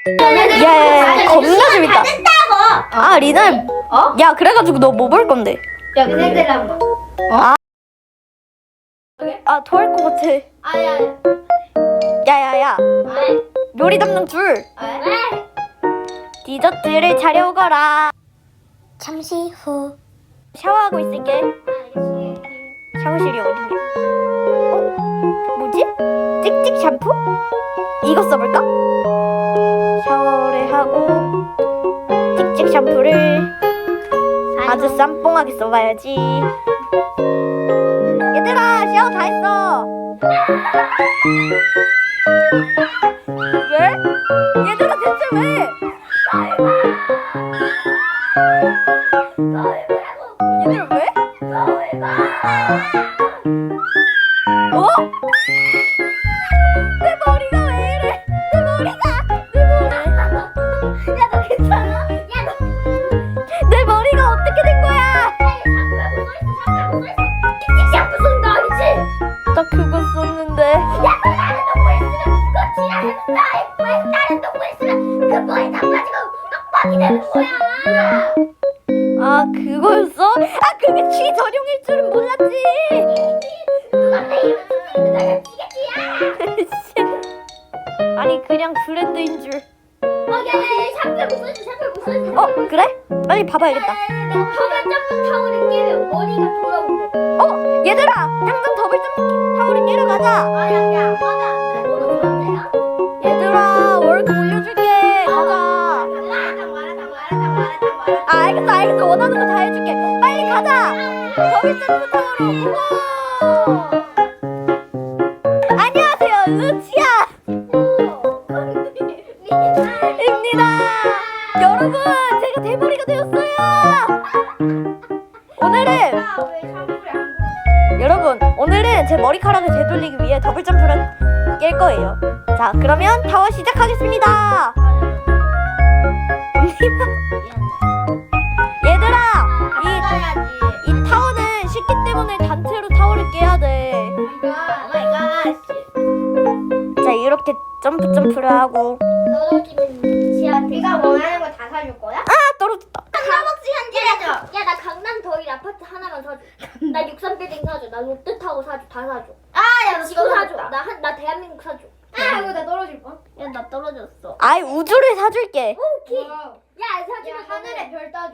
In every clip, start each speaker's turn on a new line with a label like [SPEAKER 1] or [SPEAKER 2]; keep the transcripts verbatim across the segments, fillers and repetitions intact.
[SPEAKER 1] 야야야 겁나 재밌다.
[SPEAKER 2] 됐다고.
[SPEAKER 1] 아 리나
[SPEAKER 2] 어?
[SPEAKER 1] 야 그래가지고 너 뭐 볼 건데?
[SPEAKER 2] 야 근데 한번.
[SPEAKER 1] 아 토할 것 같아.
[SPEAKER 2] 아야.
[SPEAKER 1] 야야야
[SPEAKER 2] 왜?
[SPEAKER 1] 요리 담당 둘
[SPEAKER 2] 왜?
[SPEAKER 1] 디저트를 차려오거라. 잠시 후 샤워하고 있을게. 샤워실이 어디냐? 어? 뭐지? 찍찍 샴푸? 이거 써볼까? 샤워를 하고 찍찍 샴푸를 아주 쌈뽕하게 써봐야지. 얘들아 샤워 다 했어. 왜? 얘들아 대체 왜? 얘들아 왜? 어? 내 머리가 왜 이래? 내 머리가 내 머리.
[SPEAKER 2] 야 너 괜찮아? 야 너.
[SPEAKER 1] 내 머리가 어떻게 된 거야?
[SPEAKER 2] 샴푸 쓴거 아니지?
[SPEAKER 1] 나 그거 썼는데.
[SPEAKER 2] 야 다른 동물 있으면 그거 지랄해서 왜 다른 동물 있으면 그 머리 다 빠지고 떡밥이 되는 거야.
[SPEAKER 1] 아 그거였어? 아 그게 취 전용일 줄은 몰랐지.
[SPEAKER 2] 누가 내 이름 쓰는 내가 지겠지야.
[SPEAKER 1] 아니 그냥 브랜드인 줄.
[SPEAKER 2] 오케이 샴푸 무슨 샴푸 무슨
[SPEAKER 1] 어 그래? 빨리 봐봐야겠다.
[SPEAKER 2] 허가 점프 타월을 깨면 머리가 돌아오네.
[SPEAKER 1] 어 얘들아 당장 더블 점프 타월을 깨러 가자.
[SPEAKER 2] 아야야 화가 안 나. 너도 그런데요?
[SPEAKER 1] 얘들아 월급 올려줄게. 가자.
[SPEAKER 2] 마라탕 마라탕 마라탕 마라탕 마라탕.
[SPEAKER 1] 아 알겠어 알겠어 원하는 거 다 해줄게. 빨리 가자. 더블 점프 타워로 고고. 안녕하세요 루치아 입니다. 여러분 제가 대머리가 되었어요. 오늘은
[SPEAKER 2] 왜 샴푸를 안
[SPEAKER 1] 여러분 오늘은 제 머리카락을 되돌리기 위해 더블 점프를 깰 거예요. 자 그러면 타워 시작하겠습니다. 얘들아 이, 이 타워는 쉽기 때문에 단체로 타워를 깨야 돼.
[SPEAKER 2] 오마이갓.
[SPEAKER 1] 자 이렇게 점프 점프를 하고
[SPEAKER 2] 떨어지면 지한테. 네가 원하는 거 다 사줄 거야?
[SPEAKER 1] 아 떨어졌다.
[SPEAKER 2] 스타벅스 현질해줘. 야 나 강남 더일 아파트 하나만 사줘. 나 육삼 빌딩 사줘. 나 롯데타워 사줘. 다 사줘. 아야 지구 사줘. 나 한 나 대한민국 사줘. 아 이거 나 떨어질 뻔. 야 나 떨어졌어.
[SPEAKER 1] 아이 우주를 사줄게.
[SPEAKER 2] 오케이. 야 사주면 하늘에 별 따줘.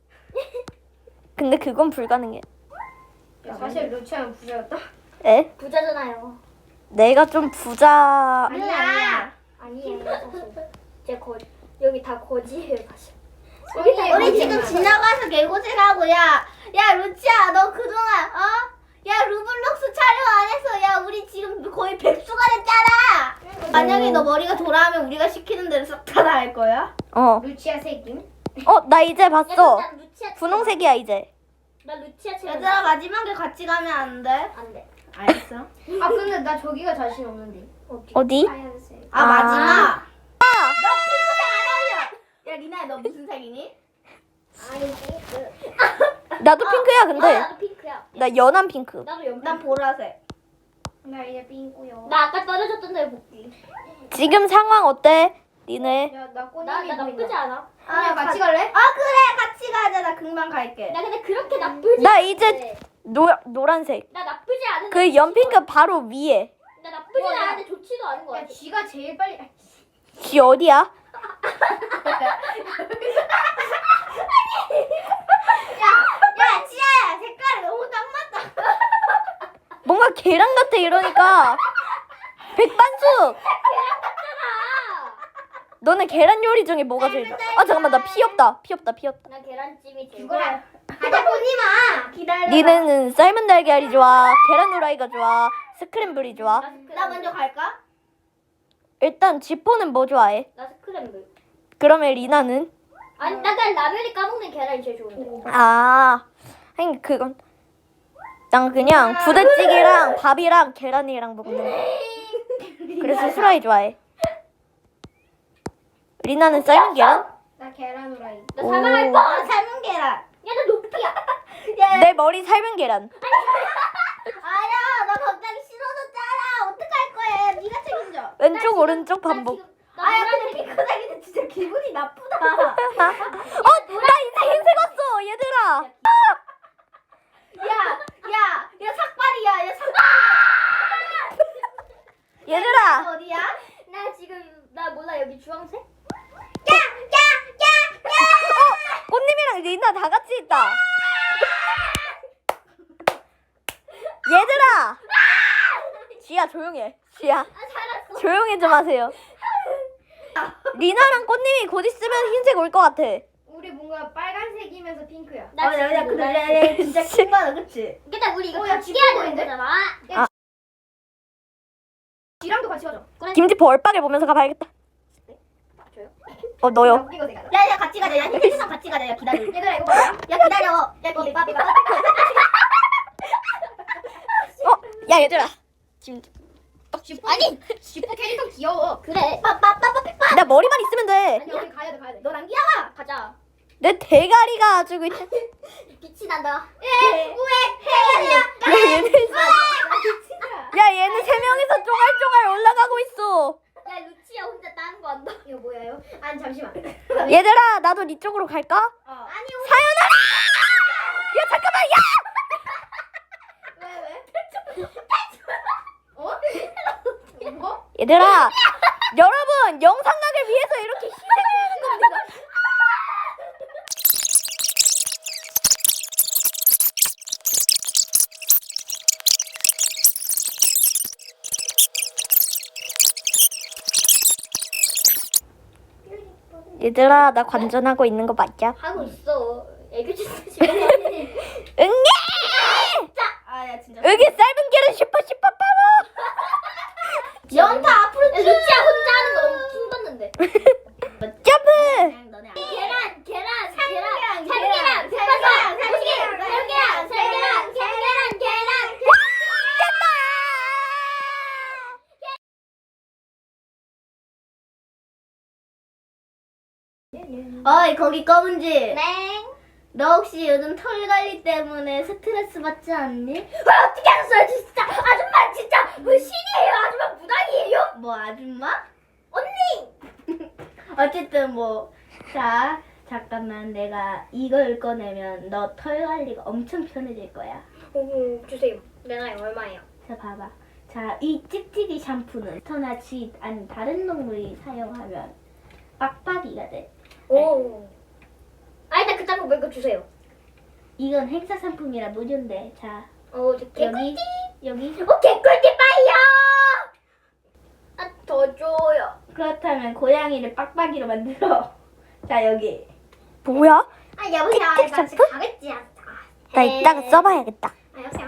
[SPEAKER 1] 근데 그건 불가능해.
[SPEAKER 2] 야, 사실 루치아는 부자였다.
[SPEAKER 1] 에?
[SPEAKER 2] 부자잖아요.
[SPEAKER 1] 내가 좀 부자.
[SPEAKER 2] 아니야 아니야. 아니에요 사실. 제 거 여기 다 거지예요 사실. 우리, 우리 지금 지나가서 개고생하고 야, 야 루치야 너 그동안 어? 야 루블록스 촬영 안 했어. 야 우리 지금 거의 백수가 됐잖아. 만약에 너 머리가 돌아오면 우리가 시키는 대로 싹 다 할 거야?
[SPEAKER 1] 어.
[SPEAKER 2] 루치아 색임?
[SPEAKER 1] 어 나 이제 봤어.
[SPEAKER 2] 야, 루치아
[SPEAKER 1] 분홍색이야 이제.
[SPEAKER 2] 나 루치아 책. 얘들아 마지막에 같이 가면 안 돼? 안 돼. 알겠어.
[SPEAKER 3] 아 근데 나 저기가 자신 없는데.
[SPEAKER 2] 어디?
[SPEAKER 1] 어디?
[SPEAKER 3] 하얀색.
[SPEAKER 2] 아,
[SPEAKER 1] 아.
[SPEAKER 2] 마지막. 너 핑크색 안 어울려. 야 리나야 너 무슨 색이니? 아니 핑크.
[SPEAKER 1] 나도 핑크야 근데.
[SPEAKER 2] 나도 핑크야.
[SPEAKER 1] 나 연한 핑크.
[SPEAKER 2] 나도 연. 난 보라색.
[SPEAKER 3] 나 이제 삥꾸요.
[SPEAKER 2] 나 아까 떨어졌던 데 볼게.
[SPEAKER 1] 지금 상황 어때? 니네.
[SPEAKER 3] 야나 꽃잎이
[SPEAKER 2] 나, 나 나쁘지
[SPEAKER 3] 보인다.
[SPEAKER 2] 않아.
[SPEAKER 3] 아 같이 갈래?
[SPEAKER 2] 아 그래 같이 가자. 나 금방 갈게. 나 근데 그렇게 나쁘지.
[SPEAKER 1] 나
[SPEAKER 2] 않은데.
[SPEAKER 1] 이제 노 노란색.
[SPEAKER 2] 나 나쁘지 않은데.
[SPEAKER 1] 그 연핑크 바로 위에.
[SPEAKER 2] 나 나쁘지
[SPEAKER 3] 뭐, 야.
[SPEAKER 2] 않은데 좋지도 않은 거
[SPEAKER 3] 야
[SPEAKER 2] 같아.
[SPEAKER 3] 쥐가 제일 빨리.
[SPEAKER 1] 쥐 어디야?
[SPEAKER 2] 야 지아야 색깔이 너무 딱 맞다.
[SPEAKER 1] 뭔가 계란 같아 이러니까. 백반숙.
[SPEAKER 2] 계란 같잖아.
[SPEAKER 1] 너는 계란 요리 중에 뭐가 제일 좋아? 아 잠깐만 나 피 없다. 피 없다. 피 없다.
[SPEAKER 2] 나 계란찜이 제일
[SPEAKER 3] 그거야.
[SPEAKER 2] 하자 보지 마. 기다려.
[SPEAKER 1] 니네는 삶은 달걀이 좋아? 계란 후라이가 좋아? 스크램블이 좋아?
[SPEAKER 2] 나 먼저 갈까?
[SPEAKER 1] 일단 지포는 뭐 좋아해?
[SPEAKER 2] 나 스크램블.
[SPEAKER 1] 그러면 리나는?
[SPEAKER 2] 아니 나난 라면이 까먹는 계란이 제일 좋은데.
[SPEAKER 1] 아, 아니 그건 난 그냥 부대찌개랑 밥이랑 계란이랑 먹는 거. 그래서 후라이 좋아해. 리나는 삶은 계란?
[SPEAKER 3] 나 계란 후라이.
[SPEAKER 2] 나
[SPEAKER 1] 오.
[SPEAKER 2] 삶은 거 삶은 계란. 야나 높이야. 야,
[SPEAKER 1] 내 머리 삶은 계란.
[SPEAKER 2] 아야 나 갑자기 싫어졌잖아. 어떡할 거야? 네가 책임져.
[SPEAKER 1] 왼쪽 오른쪽
[SPEAKER 2] 나
[SPEAKER 1] 반복.
[SPEAKER 2] 지금- 아야 근데 핑크색인데 진짜 나쁘다.
[SPEAKER 1] 어, 나 이제 흰색 왔어, 얘들아.
[SPEAKER 2] 야, 야, 야 삭발이야, 야 삭발.
[SPEAKER 1] 얘들아,
[SPEAKER 2] 어디야? 나 지금 나 몰라 여기 주황색?
[SPEAKER 1] 꽃님이랑 리나 다 같이 있다. 얘들아, 지야 조용히 해. 지야,
[SPEAKER 2] 아 살았어.
[SPEAKER 1] 조용히 좀 하세요. 리나랑 꽃님이 곧 있으면 흰색 올 것 같아.
[SPEAKER 3] 우리 뭔가 빨간색이면서 핑크야.
[SPEAKER 2] 나
[SPEAKER 4] 어, 야, 야,
[SPEAKER 2] 지금
[SPEAKER 4] 근데
[SPEAKER 2] 몰라.
[SPEAKER 4] 야, 야, 진짜 킹받아, 그치?
[SPEAKER 2] 일단 우리 이거
[SPEAKER 3] 어, 야,
[SPEAKER 2] 같이
[SPEAKER 3] 집어
[SPEAKER 2] 해야 되는
[SPEAKER 3] 보이는데?
[SPEAKER 2] 거잖아.
[SPEAKER 3] 지랑도 같이 가자.
[SPEAKER 1] 김지포 얼빡을 보면서 가봐야겠다. 어, 너요.
[SPEAKER 3] 이거 내가.
[SPEAKER 2] 야, 야 같이 가자. 야, 힐리상 같이 가자. 야, 기다려.
[SPEAKER 3] 얘들아 이거 봐라.
[SPEAKER 2] 야, 기다려. 야, 기다려.
[SPEAKER 1] 어, 야, 얘들아. 지금
[SPEAKER 3] 지포
[SPEAKER 2] 아니,
[SPEAKER 3] 지포 캐릭터 귀여워.
[SPEAKER 2] 그래. 빠빠빠빠빠.
[SPEAKER 1] 나 머리만 있으면 돼.
[SPEAKER 3] 아니 우리 가야 돼 가야 돼.
[SPEAKER 2] 너랑 귀여워. 가자.
[SPEAKER 1] 내 대가리가 아주 그냥.
[SPEAKER 2] 빛이 난다. 예. 우에.
[SPEAKER 1] 야, 얘네, 야, 얘네 세 명이서 쫑알쫑알 올라가고 있어.
[SPEAKER 2] 야, 루치야 혼자 다른 거 한다.
[SPEAKER 3] 이거 뭐야요? 아니 잠시만.
[SPEAKER 1] 얘들아, 나도 네 쪽으로 갈까?
[SPEAKER 3] 어.
[SPEAKER 2] 아니,
[SPEAKER 1] 사연아! 야, 잠깐만, 야!
[SPEAKER 3] 왜 왜? 어? 뭐?
[SPEAKER 1] 얘들아, 여러분, 영상각을 위해서 이렇게 희생을 하는 겁니다. 얘들아, 나 관전하고 있는 거 맞냐?
[SPEAKER 2] 하고 있어. 애교 짓지 마.
[SPEAKER 1] 응애!
[SPEAKER 4] 아, 야, 진짜.
[SPEAKER 1] 여기 짧은 길은 슈퍼 슈퍼 파워!
[SPEAKER 2] 연타 앞으로. 야, 루치야 혼자 하는 거 너무 킹받는데.
[SPEAKER 1] 점프!
[SPEAKER 2] 그냥 너네 안 계란, 계란, 계란, 참계란, 참계란, 참계란, 참계란, 참계란, 참계란, 참계란, 계란.
[SPEAKER 4] 어이, 거기 검은지.
[SPEAKER 2] 네.
[SPEAKER 4] 너 혹시 요즘 털 관리 때문에 스트레스 받지 않니?
[SPEAKER 2] 아, 어떻게 알았어요, 진짜. 아줌마 진짜 뭐 신이에요. 아줌마 무당이에요.
[SPEAKER 4] 뭐, 아줌마?
[SPEAKER 2] 언니.
[SPEAKER 4] 어쨌든 뭐, 자, 잠깐만. 내가 이걸 꺼내면 너 털 관리가 엄청 편해질 거야.
[SPEAKER 2] 오, 주세요. 내나요 얼마예요?
[SPEAKER 4] 자, 봐봐. 자, 이 찍찍이 샴푸는 터나 쥐, 아니 다른 동물이 사용하면 빡빡이가 돼.
[SPEAKER 2] 오. 아, 일단 그 딴거 말고 주세요.
[SPEAKER 4] 이건 행사 상품이라 무료인데. 자,
[SPEAKER 2] 어, 저
[SPEAKER 4] 여기,
[SPEAKER 2] 개꿀띠.
[SPEAKER 4] 여기.
[SPEAKER 2] 어, 개꿀띠 빠이요. 아, 더 줘요.
[SPEAKER 4] 그렇다면 고양이를 빡빡이로 만들어. 자, 여기.
[SPEAKER 1] 뭐야?
[SPEAKER 2] 아, 여보세요.
[SPEAKER 1] 틱틱
[SPEAKER 2] 나
[SPEAKER 1] 샴푸?
[SPEAKER 2] 지금 가겠지. 아,
[SPEAKER 1] 나 이따가 써봐야겠다.
[SPEAKER 2] 아, 여보세요.